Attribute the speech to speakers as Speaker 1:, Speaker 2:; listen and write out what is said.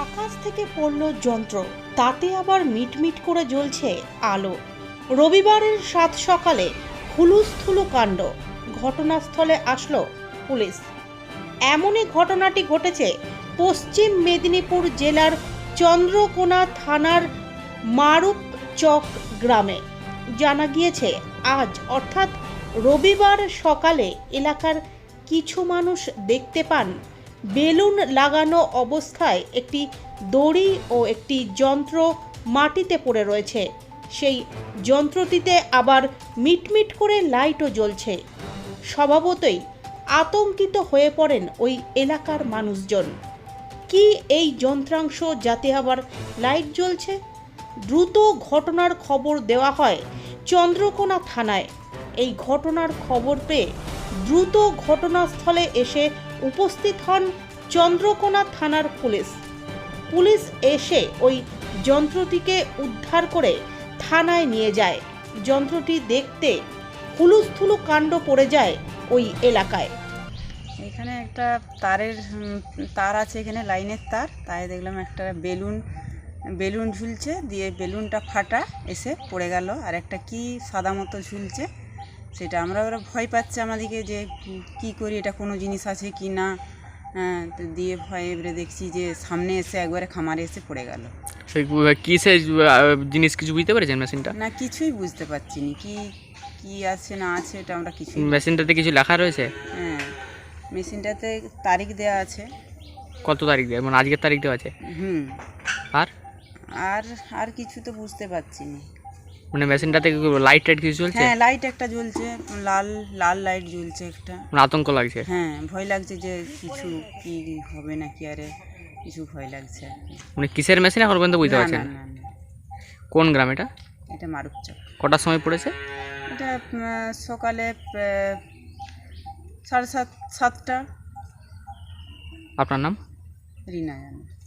Speaker 1: আকাশ থেকে পড়ল যন্ত্র, তাতে আবার মিটমিট করে জ্বলছে আলো। রবিবারের সাত সকালে হুলুস্থুলু কাণ্ড, ঘটনাস্থলে আসলো পুলিশ। এমনই ঘটনাটি ঘটেছে পশ্চিম মেদিনীপুর জেলার চন্দ্রকোনা থানার মারুপচক গ্রামে। জানা গিয়েছে আজ অর্থাৎ রবিবার সকালে এলাকার কিছু মানুষ দেখতে পান বেলুন লাগানো অবস্থায় একটি দড়ি ও একটি যন্ত্র মাটিতে পড়ে রয়েছে। সেই যন্ত্রটিতে আবার মিটমিট করে লাইটও জ্বলছে। স্বভাবতই আতঙ্কিত হয়ে পড়েন ওই এলাকার মানুষজন। কি এই যন্ত্রাংশ যাতে আবার লাইট জ্বলছে? দ্রুত ঘটনার খবর দেওয়া হয় চন্দ্রকোনা থানায়। এই ঘটনার খবর পেয়ে দ্রুত ঘটনাস্থলে এসে উপস্থিত হন চন্দ্রকোনা থানার পুলিশ এসে ওই যন্ত্রটিকে উদ্ধার করে থানায় নিয়ে যায়। যন্ত্রটি দেখতে হুলুস্থুলু কাণ্ড পড়ে যায় ওই এলাকায়।
Speaker 2: এখানে একটা তার আছে, এখানে লাইনের তার, তাই দেখলাম একটা বেলুন ঝুলছে, দিয়ে বেলুনটা ফাটা এসে পড়ে গেল। আর একটা কি সাদা মতো ঝুলছে, সেটা ওরা ভয় পাচ্ছে আমাদেরকে যে কি করি, এটা কোনো জিনিস আছে কি না। তো দিয়ে ভয়ে এবারে দেখছি যে সামনে এসে একবারে খামারে এসে পড়ে গেল।
Speaker 3: কিসের জিনিস কিছু বুঝতে পেরেছেন মেশিনটা?
Speaker 2: না, কিছুই বুঝতে পারছি না কি আছে না আছে, এটা আমরা কিছু।
Speaker 3: মেশিনটাতে কিছু লেখা রয়েছে?
Speaker 2: হ্যাঁ, মেশিনটাতে তারিখ দেওয়া আছে।
Speaker 3: কত তারিখ দেওয়া, মানে আজকের তারিখ দেওয়া আছে? আর
Speaker 2: আর আর কিছু তো বুঝতে পারছি না।
Speaker 3: মানে মেশিনটাতে লাইট টাইট কিছু জ্বলছে?
Speaker 2: হ্যাঁ, লাইট একটা জ্বলছে, লাল লাইট জ্বলছে একটা।
Speaker 3: মানে আতঙ্ক লাগছে?
Speaker 2: হ্যাঁ, ভয় লাগছে যে কিছু কি হবে নাকি, আরে কিছু ভয় লাগছে আর কি।
Speaker 3: মানে কিসের মেশিন এখন পর্যন্ত বুঝতে পারছেন?
Speaker 2: না।
Speaker 3: কোন গ্রাম এটা?
Speaker 2: এটা মারুপচক।
Speaker 3: কটার সময় পড়েছে
Speaker 2: এটা সকালে 7:30।
Speaker 3: আপনার নাম?
Speaker 2: রিনা জানে।